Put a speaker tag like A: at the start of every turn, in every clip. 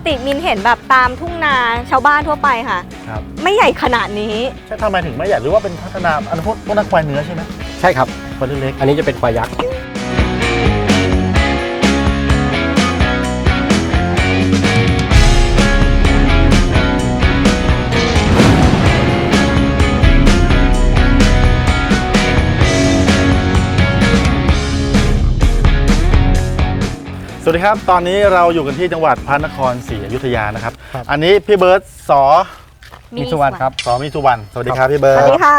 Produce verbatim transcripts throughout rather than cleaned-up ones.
A: ติมินเห็นแบบตามทุ่งนาชาวบ้านทั่วไปค่ะครับไม่ใหญ่ขนาดนี้
B: ใช่ทำไมถึงไม่ใหญ่หรือว่าเป็นพัฒนาอันพวกพวกนักควายเนื้อใช่ไหม
C: ใช่ครับ
B: ควายเล็ก
C: อันนี้จะเป็นควายยักษ์
B: สวัสดีครับตอนนี้เราอยู่กันที่จังหวัดพระนครศรีอยุธยานะครับอันนี้พี่เบิร์ตสอ
C: มีสุวรรณครับ
B: สอมีสุวรรณสวัสดีครับพี่เบิร์ต
A: สวัสดีค่ะ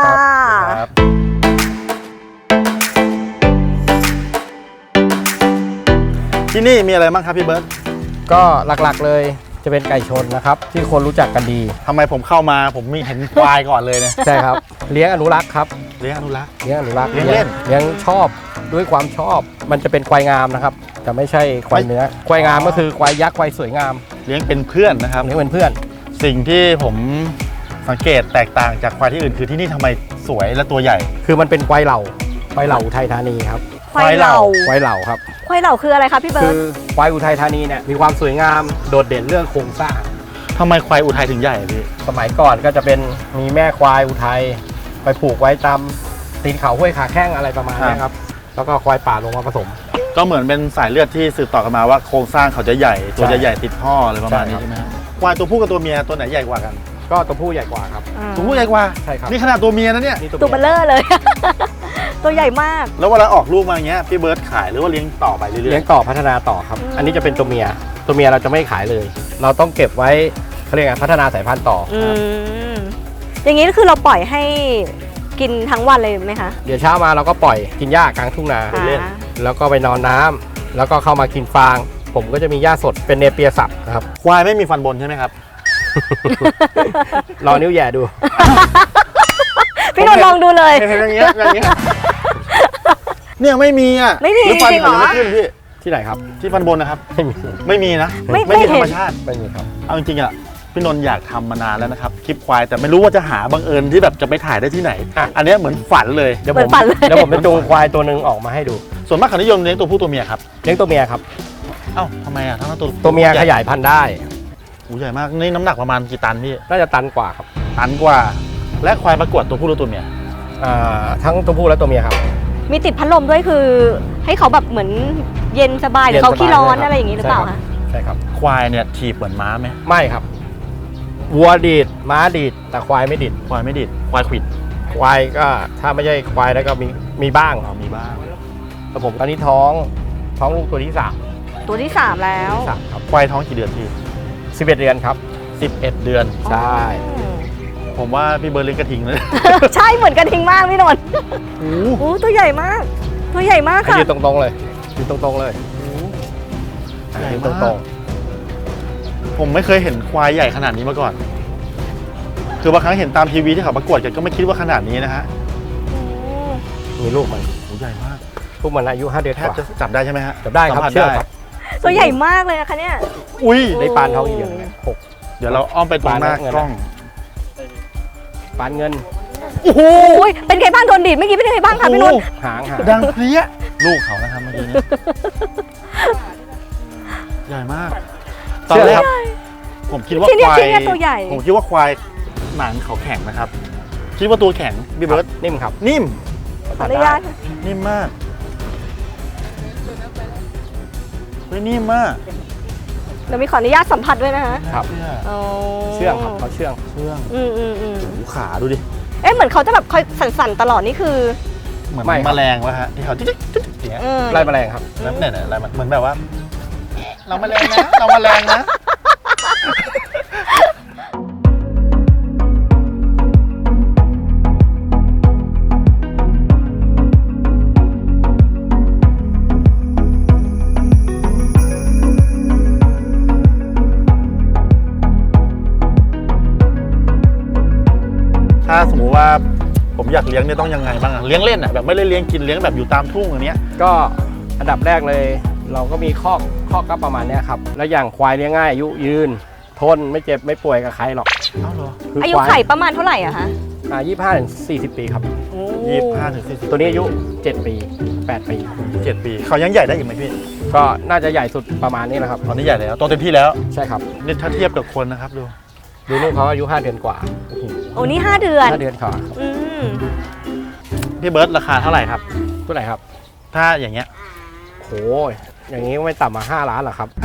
B: ที่นี่มีอะไรบ้างครับพี่เบิร์ต
C: ก็หลักๆเลยจะเป็นไก่ชนนะครับที่คนรู้จักกันดี
B: ทำไมผมเข้ามาผมมีเห็นควายก่อนเลยเนี่ย
C: ใช่ครับเลี้ยงอนุรักษ์ครับ
B: เลี้ยงอนุรักษ์
C: เลี้ยงอนุรักษ์
B: เลี้ยงเล่น
C: เลี้ยงชอบด้วยความชอบมันจะเป็นควายงามนะครับจะไม่ใช่ควายเนื้อควายงามก็คือควายยักษ์ควายสวยงาม
B: เลี้ยงเป็นเพื่อนนะครับ
C: เลี้ยงเป็นเพื่อน
B: สิ่งที่ผมสังเกตแตกต่างจากควายที่อื่นคือที่นี่ทำไมสวยและตัวใหญ่
C: คือมันเป็นควายเหล่าควายเหล่าอุทัยธานีครับ
A: ควายเหล่า
C: ควายเหล่าครับ
A: ควายเหล่าคืออะไรครับพี่เบิร์ต
C: คือควายอุทัยธานีเนี่ยมีความสวยงามโดดเด่นเรื่องโครงสร้าง
B: ทำไมควายอุทัยถึงใหญ่พี่
C: สมัยก่อนก็จะเป็นมีแม่ควายอุทัยไปผูกไว้ตามตีนเขาห้วยขาแข้งอะไรประมาณนี้ครับแล้วก็ควายป่าลงมาผสม
B: ก็เหมือนเป็นสายเลือดที่สืบต่อกันมาว่าโครงสร้างเขาจะใหญ่ตัวจะใหญ่ติดท่ออะไรประมาณนี้ใช่ไหมครับควายตัวผู้กับตัวเมียตัวไหนใหญ่กว่ากัน
C: ก็ตัวผู้ใหญ่กว่าครับ
B: ตัวผู้ใหญ่กว่า
C: ใช่ครับ
B: นี่ขนาดตัวเมียนะเนี่ย
A: ตัวเบลเลอร์เลย ตัวใหญ่มาก
B: แล้วเวลาออกลูกมาอย่างเงี้ยพี่เบิร์ตขายหรือว่าเลี้ยงต่อไปเรื่อยๆ
C: เลี้ยงต่อพัฒนาต่อครับอันนี้จะเป็นตัวเมียตัวเมียเราจะไม่ขายเลยเราต้องเก็บไว้เขาเรียกพัฒนาสายพันธุ์ต่อ
A: อย่างนี้ก็คือเราปล่อยให้กินทั้งวันเลยไหมคะ
C: เดี๋ยวเช้ามาเราก็ปล่อยกินหญ้ากลางทุ่งนาเล่นแล้วก็ไปนอนน้ำแล้วก็เข้ามากินฟางผมก็จะมีหญ้าสดเป็นเนเปียสับนะครับ
B: ควายไม่มีฟันบนใช่ไหมครับ
C: ลองนิ้วแย่ดู
A: พี่นนท์ลองดูเลย
B: อย่างเงี้ยอย่างเงี้ยเนี่ยไม่มีอ่ะ
A: ไม่มี
B: หรือฟันเขาไม่ขึ้นพี่
C: ที่ไหนครับ
B: ที่ฟันบนนะครับ
C: ไม่มี
B: ไม่มีนะ
A: ไม่
B: มีธรรมชาติ
C: ไม่มีครับ
B: เอาจริงๆอ่ะพี่นนท์อยากทำมานานแล้วนะครับคลิปควายแต่ไม่รู้ว่าจะหาบังเอิญที่แบบจะไปถ่ายได้ที่ไหนอันนี้เหมือนฝันเลย
C: เดี๋ยวผมเดี๋ยวผมจะจูงควายตัวหนึ่งออกมาให้ดู
B: ส่วนมากเขานิยมเลี้ยงตัวผู้ตัวเมียครับ
C: เลี้ยงตัวเมียครับ
B: เอ้าทำไมอ่ะทั้งตัว
C: ตัวเมียขยายพันธุ์ได้
B: โอ้ใหญ่มากนี่น้ำหนักประมาณกี่ตันพี่
C: น่าจะตันกว่าครับ
B: ตันกว่าและควายประกวดตัวผู้หรือตัวเมีย
C: อ่าทั้งตัวผู้และตัวเมียครับ
A: มีติดพัดลมด้วยคือให้เขาแบบเหมือนเย็นสบายหรือเขาขี้ร้อนอะไรอย่างนี้หรือเปล่าคะ
C: ใช่ครับ
B: ควายเนี่ยถีบเหมือนม้าไหม
C: ไม่ครับวัวดีดม้าดีดแต่ควายไม่ดีด
B: ควายไม่ดีดควายขวิด
C: ควายก็ถ้าไม่ใช่ควายแล้วก็มีมีบ้าง
B: อ๋อมีบ้าง
C: แต่ผมตอนนี้ท้องท้องลูกตัวที่สาม
A: ตัวที่สามแล้ว
B: ครับควายท้องกี่เดือนพี่
C: สิบเอ็ดเดือนครับ
B: สิบเอ็ดเดือน
C: ใช่
B: ผมว่าพี่เบิร์ดเลี้ยงกระทิงเลย
A: ใช่เหมือนกระทิงมากพี่นนท์โอ้โหตัวใหญ่มากตัวใหญ่มากค่ะ
C: ยืนตรงๆเลยยืนตรงๆเลย
B: ใหญ่ตรงๆผมไม่เคยเห็นควายใหญ่ขนาดนี้มาก่อนคือบางครั้งเห็นตามทีวีที่เขาประกวดกันก็ไม่คิดว่าขนาดนี้นะฮะ
C: มีลูกมัน
B: ใหญ่มาก
C: ลูกมันอายุห้าเดือน
B: แทบจะจับได้ใช่ไหมฮะ
C: จับได้ครับเชื่อครับ
A: ตัวใหญ่มากเลยนะคะเนี่ย
B: อุ้ย
C: ได้ปานท้องอีกอย่างนึงหก
B: เดี๋ยวเราอ้อมไปตรงหน้ากล้อง
C: ปานเงิน
A: โอ้โหเป็นไงบ้างโดนดีดเมื่อกี้เป็นไงบ้างคะพี่นนท์
C: หางหาง
B: ดังเพลี้ยลูกเขานะครับเมื่อกี้นี้ใหญ่มากตอนแรกผมคิดว่าควายผมคิดว่าควายหนังเขาแข็งนะครับคิดว่าตัวแข็งพี่เบิร์ต
C: นิ่มครับ
B: นิ่ม
A: ขออนุญาต
B: นิ่มมากเฮ้ยนิ่มมาก
A: เดี๋ยวมีขออนุญาตสัมผัสด้วยนะฮะ
C: ครับเชื่องครับเขาเชื่อง
B: เชื่อง
A: อืมอืมอืม
B: ขาดูดิ
A: เอ๊ะเหมือนเขาจะแบบคอยสั่นๆตลอดนี่คือ
B: เหมือนแมลงวะฮะที่เขาจิ๊กจิ๊กอย่างเงี้ย
C: ไล่แมลงครับ
B: แล้วเนี่ยอะไรเหมือนแบบว่าเราแมลงนะเราแมลงนะถ้าสมมติว่าผมอยากเลี้ยงเนี่ยต้องยังไงบ้างเลี้ยงเล่นอ่ะแบบไม่ได้เลี้ยงกินเลี้ยงแบบอยู่ตามทุ่งอย่างเนี้ย
C: ก็อันดับแรกเลยเราก็มีข้อข้อก็ประมาณนี้ครับแล้วอย่างควายเลี้ยงง่ายอายุยืนทนไม่เจ็บไม่ป่วยกับใครหรอก
A: อายุไข่ประมาณเท่าไหร่อะคะ
C: อ่ายี่สิบห้าถึงสี่สิบปีครับ
A: โอ้
B: ยี่สิบห้าถึงสี่สิบ
C: ตัวนี้อายุเจ็ดปีแปดปี
B: เจ็ดปีเขายังใหญ่ได้อีกไหมพี่
C: ก็น่าจะใหญ่สุดประมาณนี้นะครับ
B: ตอนนี้ใหญ่แล้วโตเต็มที่แล้ว
C: ใช่ครับ
B: นี่ถ้าเทียบกับคนนะครับดู
C: ดูลูกเขาอายุห้าเดือนกว่า
A: โอ้นี่ห้าเดือน
C: ห้าเดือนกว่า
A: อืม
B: พี่เบิร์ตราคาเท่าไหร่ครับ
C: ตัวไหนครับ
B: ถ้าอย่างเงี้ย
C: โหอย่างนี้ก็ไม่ต่ำมาห้าล้านหรอกครับ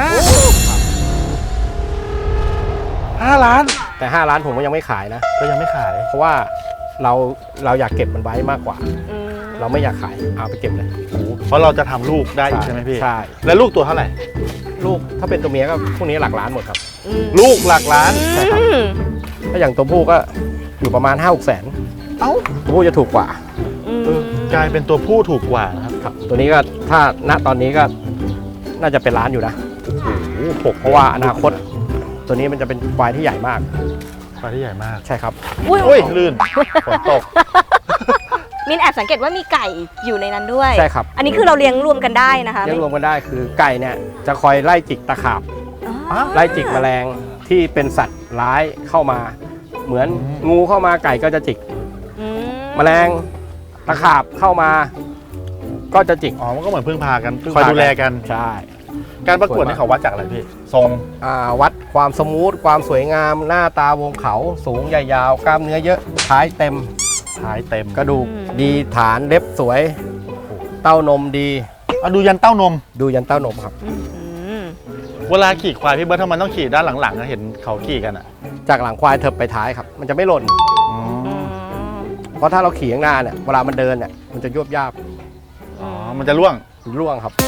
B: ห้าล้าน
C: แต่ห้าล้านผมก็ยังไม่ขายนะ
B: ก็ยังไม่ขาย
C: เพราะว่าเราเราอยากเก็บมันไว้มากกว่า
A: อืม
C: เราไม่อยากขายเอาไปเก็บเลย
B: เพราะเราจะทำลูกได้อีกใช่ไหมพี่
C: ใช่
B: แล้วลูกตัวเท่าไหร่
C: ลูกถ้าเป็นตัวเมียก็พวกนี้หลักล้านหมดครับ
A: อืม
B: ลูกหลักล้าน
C: ใช่ครับ
A: อืม
C: ถ้าอย่างตัวผู้ก็อยู่ประมาณห้าหกแสน
B: เอ้า
C: ตัวผู้จะถูกกว่า
A: อืม
B: กลายเป็นตัวผู้ถูกกว่านะครับ
C: ครับ ตัวนี้ก็ถ้าณตอนนี้ก็น่าจะเป็นล้านอยู่นะ
B: โอ้โหหก
C: เพราะว่าอนาคต ตัวนี้มันจะเป็นควายที่ใหญ่มาก
B: ปลาที่ใหญ่มาก
C: ใช่ครับ
A: อุ้ย
B: อุ้ยลื่นฝนตก
A: มินแอบสังเกตว่ามีไก่อยู่ในนั้นด้วย
C: ใช่ครับ
A: อันนี้คือเราเลี้ยงรวมกันได้นะคะ
C: เรียกรวมกันได้คือไก่เนี่ยจะคอยไล่จิกตะขาบ
A: อ๋อ
C: ไล่จิกแมลงที่เป็นสัตว์ร้ายเข้ามา เหมือน
B: อืม
C: งูเข้ามาไก่ก็จะจิก
A: อืม
C: แมลงตะขาบเข้ามา ก็จะจิก
B: อ๋อมันก็เหมือนพึ่งพากันคอยดูแลกัน
C: ใช่
B: การประกวดนี่เขาวัดจากอะไรพี่ทรง
C: อ่าวัดความสมูทความสวยงาม หน้าตาวงเขาสูงใหญ่ยาวกล้ามเนื้อเยอะท้ายเต็ม
B: ท้ายเต็ม
C: กระดูกดีฐานเล็บสวย เต้านมดี
B: เอาดูยันเต้านม
C: ดูยันเต้านมครับ
A: อืม
B: เวลาขี่ควายพี่เบิร์ตทำไมต้องขี่ด้านหลังๆอะเห็นเขาขี่กันอ่ะ
C: จากหลังควายเถิบไปท้ายครับ มันจะไม่หล่น
B: อ๋อ
A: อืม
C: เพราะถ้าเราขี่ข้างหน้าเนี่ยเวลามันเดินเนี่ยมันจะยวบยาบ
B: อ๋อมันจะล่วง
C: ร่วงครับ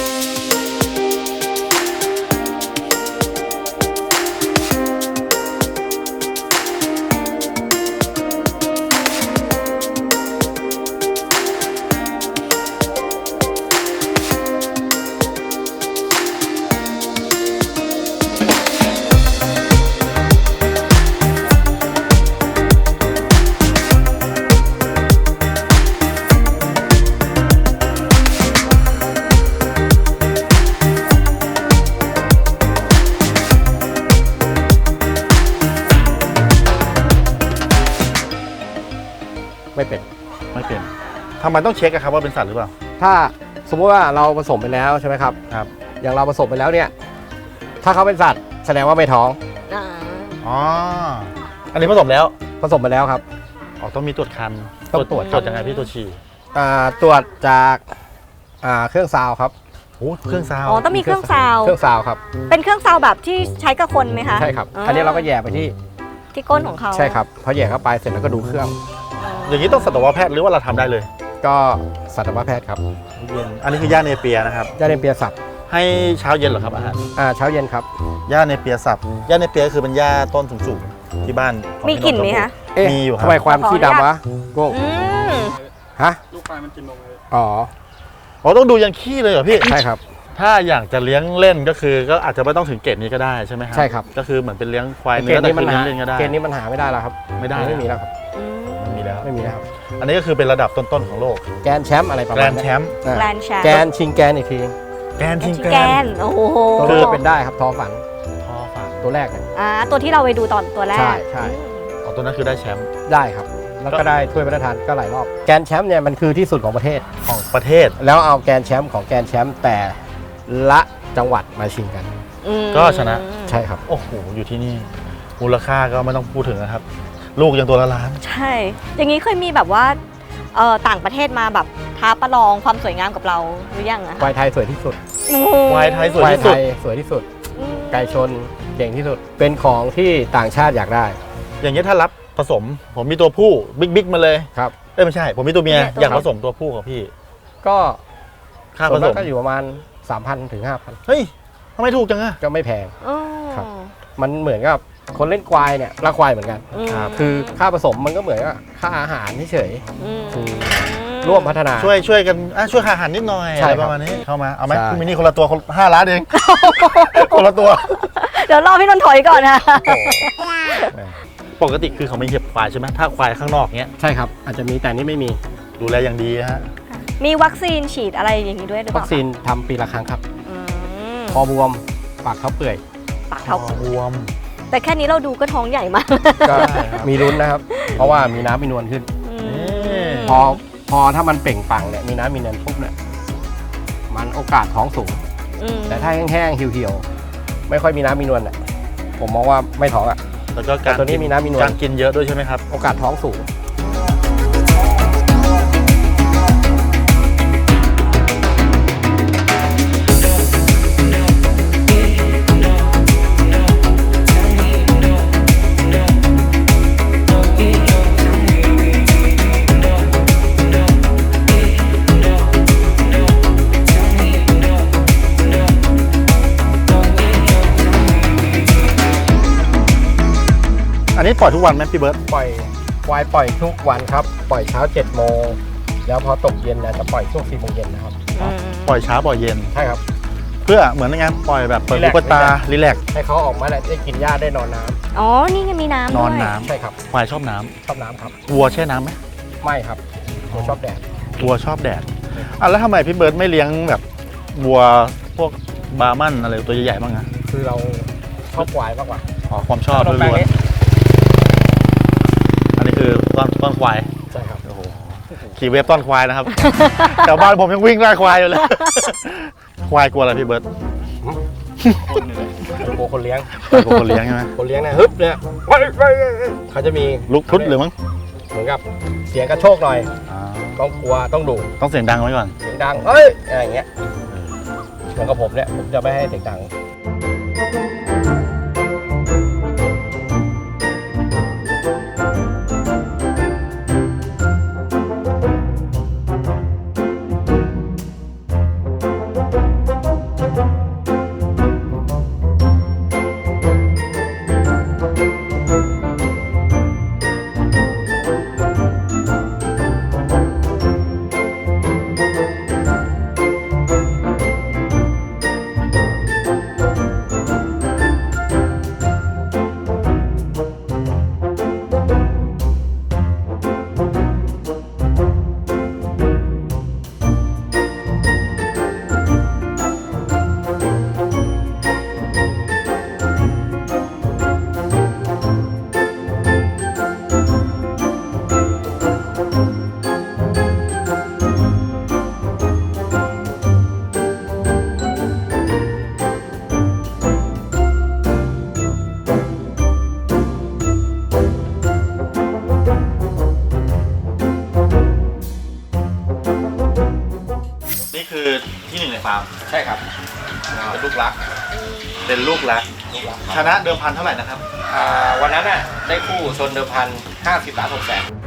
C: ไม่เป็น
B: ไม่เป็นทำไมต้องเช็คอะครับว่าเป็นสัตว์หรือเปล่า
C: ถ้าสมมติว่าเราผสมไปแล้วใช่ไหมครับ
B: ครับ
C: อย่างเราผสมไปแล้วเนี่ย ถ้าเขาเป็นสัตว์แสดงว่าไม่ท้อง
A: อ่า
B: อ๋ออันนี้ผสมแล้ว
C: ผสมไปแล้วครับ
B: อ๋อต้องมีตรวจคัน
C: ต้องตรวจ
B: ตรวจยังไงพี่ตัวจฉี่
C: อ่าตรวจจากอ่าเครื่องซาวครับ
B: โอ้เครื่องซาว
A: อ๋อต้องมีเครื่องซาว
C: เครื่องซาวครับ
A: เป็นเครื่องซาวแบบที่ใช้กับคนไหมคะ
C: ใช่ครับ อันนี้เราก็แย่ไปที่
A: ที่ก้นของเขา
C: ใช่ครับพอแย่เข้าไปเสร็จแล้วก็ดูเครื่อง
B: อย่างนี้ต้องสัตวแพทย์หรือว่าเราทำได้เลย
C: ก็สัตวแพทย์ครับ
B: เย็นอันนี้คือย่าเนเปียนะครับ
C: ย่าเนเปียสับ
B: ให้เช้าเย็นเหรอครับอาหาร
C: อ่าเช้าเย็นครับ
B: ย่าเนเปียสับย่าเนเปียก็คือเป็นย่าต้นสูงๆที่บ้านของ
A: มีกลิ่นไหมคะ
C: เอ๊ะ
B: มีอยู่ครับ
C: ทำไมความขี้ดำวะโก้ง
A: อืม
C: ฮะ
D: ลูกควายมันกินนมเลย
C: อ๋อ
B: อ๋อต้องดูยันขี้เลยเหรอพี่
C: ใช่ครับ
B: ถ้าอยากจะเลี้ยงเล่นก็คือก็อาจจะไม่ต้องถึงเกรดนี้ก็ได้ใช่ไหมครับ
C: ใช่ครับ
B: ก็คือเหมือนเป็นเลี้ยงควาย
C: เก
B: เนื้
C: ณ
B: อ
C: ฑ์
B: แต่
C: นี้
B: คื
C: มัน
B: อเลี้ย
C: หาง
B: เล่นก็ได้
C: เกณฑ์นี้มันหาไม่ได้แล้วครับ
B: ไม่ได้
C: ไม่มีแล้วครับ
A: อืม
B: มันมีแล้ว
C: ไม่มีแล้วครับ
B: อันนี้ก็คือเป็นระดับต้นๆของโลก
C: แกนแชมป์อะไรประ
B: แกร
C: มาณ
B: นด์
C: เนี้
B: แช
C: ย
B: มป์
C: อ่า
A: แกรนด์แชมป์
C: แกนชิงแกนอีกที
B: แกรนด์ทิง
A: ชิง
B: แก
A: แก
B: รน
A: น
B: ด์
A: โอ้โห
C: ตัวนี้จะเป็นได้ครับทอฝัน
B: พอฝัง
C: ตัวแรกเนี่ย
A: อ่าตัวที่เราไปดูตอนตัวแรก
C: ใช่ใช่
B: อ๋อตัวนั้นคือได้แชมป์
C: ได้ครับ แล้วก็ได้ถ้วยพระราชทานก็หลายรอบ แกนแชมป์เนี่ยมันคือที่สุดของประเทศ
B: ของประเทศ
C: แล้วเอาแกนแชมป์ของแกนแชมป์แต่ละจังหวัดมาชิงกัน
A: อืม
B: ก็ชนะ
C: ใช่ครับ
B: โอ้โหอยู่ที่นี่มูลค่าก็ไม่ต้องพูดถึงนะครับ ลูกยังตัวละล้าน
A: ใช่ อย่างนี้เคยมีแบบว่าเอ่อต่างประเทศมาแบบท้าประลองความสวยงามกับเราหรือยังอะ
C: ควายไทยสวยที่สุด
A: โอ้โห
B: ควายไทยสวย
C: ควาย
B: ที่
C: ไท
B: สุด
C: ยสวยที่สุด
A: อืม
C: ไก่ชนเก่งที่สุด เป็นของที่ต่างชาติอยากได้
B: อย่างนี้ยถ้ารับผสม ผมมีตัวผู้บิ๊กบิ๊กมาเลย
C: ครับ
B: เอ้ยไม่ใช่ ผมมีตัวเมียอยากผสมตัวผู้กับพี่
C: ก็
B: ค่า
C: ส่
B: ผ
C: วน
B: ส
C: มาก
B: ม
C: ก็อยู่ประมาณ สามพัน ถึง ห้าพัน
B: เฮ้ยทำไมถูกจังอะ
C: ก็ไม่แพง
A: อ๋อ
C: ครับ มันเหมือนกับคนเล่นควายเนี่ยรักควายเหมือนกัน
A: อืม
C: คือค่าผสมมันก็เหมือนกับค่าอาหารเฉย
A: อืม
C: คือ ร่วมพัฒนา
B: ช่วยช่วยกันอ่ะช่วยหาอาหารนิดหน่อย
C: ใช่
B: อะไร
C: ครับ
B: ประมาณนี้เข้ามาเอาไหม
C: ใช่
B: คุณมินี่คนละตัวคนห้าล้านเอง คนละตัว
A: เดี๋ยวรอพี่นนท์ถอยก่อนนะ
B: ปกติคือเขาไม่เห็บควายใช่ไหมถ้าควายข้างนอกเนี้ย
C: ใช่ครับ อาจจะมีแต่นี่ไม่มี
B: ดูแลอย่างดีนะฮะ
A: มีวัคซีนฉีดอะไรอย่างนี้ด้วยหรือเป
C: วั
A: ล่า
C: คซีนทำปีละครั้งครับ
A: อืม
C: คอบวม ปากเขาเปื่อย
A: ปากเท้า
B: คอบวม
A: แต่แค่นี้เราดูก็ท้องใหญ่มาก
C: ก็
B: ใช่ครับ
C: มีลุ้นนะครับ เพราะว่ามีน้ำมีนวลขึ้น
A: อื
B: นี่
A: ม
C: พอพอถ้ามันเปล่งปลั่งเนี่ยมีน้ำมีเนินปุ๊บเนี่ยมันโอกาสท้องสูง
A: อืม
C: แต่ถ้าแห้งๆเหี่ยวๆไม่ค่อยมีน้ำมีนวลเนี่ยผมมองว่าไม่ท้องอ่ะ
B: แล้วก็การ
C: แต่ตัวนี้มีน้ำมีนวล
B: การกินเยอะด้วยใช่ไหมครับ
C: โอกาสท้องสูง
B: อันนี้ปล่อยทุกวันไหมพี่เบิร์ต
C: ปล่อยควายปล่อยทุกวันครับปล่อยเช้าเจ็ดโมงแล้วพอตกเย็นเนี่ยจะปล่อยช่วงสี่โมงเย็นนะครับ
A: อืม
B: ปล่อยเช้าปล่อยเย็น
C: ใช่ครับ
B: เพื่อเหมือนในงานปล่อยแบบเปิด
C: รี
B: หู
C: แลกซ์
B: เปิดตารีแลกซ์
C: ให้เขาออกมาได้กินหญ้าได้นอนน้ำ
A: อ๋อ นี่ไงมีน้ำ
B: นอน
A: ด้วย
B: น้ำ
C: ใช่ครับ
B: ควายชอบน้ำ
C: ชอบน้ำครับ
B: วัวแช่น้ำไหม
C: ไม่ครับผมชอบแดด
B: วัวชอบแดดอ่ะแล้วทำไมพี่เบิร์ตไม่เลี้ยงแบบวัวพวกบาร์มันอะไรตัวใหญ่ๆบ้างอะ
C: คือเราชอบควายมากกว่า
B: อ๋อความชอบ
C: ขนม
B: ล้
C: ปัง
B: วน
C: นี้
B: ๆอันนี้คือต้นต้นควาย
C: ใช่ครับ
B: โอ้โหขี่เวฟต้นควายนะครับ แถวบ้านผมยังวิ่งไล่ควายอยู่เลย ควายกลัวอะไรพี่เบิร์ต
C: โบคนเลี้ยง
B: ควายกลัวคนเลี้ยงใช่ไหม
C: คนเลี้ยงเนี่ยฮึบเนี่ยเขาจะมี
B: ลุกพรุดหรือมั้ง
C: เหมือนกับเสียงกระโชกหน่อย
B: อ่า
C: ต้องกลัวต้องดุ
B: ต้องเสียงดังไว้ก่อน
C: เสียงดังเอ้ยอะไรอย่างเงี้ยเหมือนกับผมเนี่ยผมจะไม่ให้เสียงดัง
B: นี่คือที่หนึ่งในฟาร์ม
C: ใช่ครับเป็นลูกรัก
B: เป็นลูกรัก
C: ลูกรัก
B: ชนะเดิมพันเท่าไหร่นะครับ
C: อ่าวันนั้นน่ะได้คู่ชนเดิมพันห้าสิบล้านหกแสน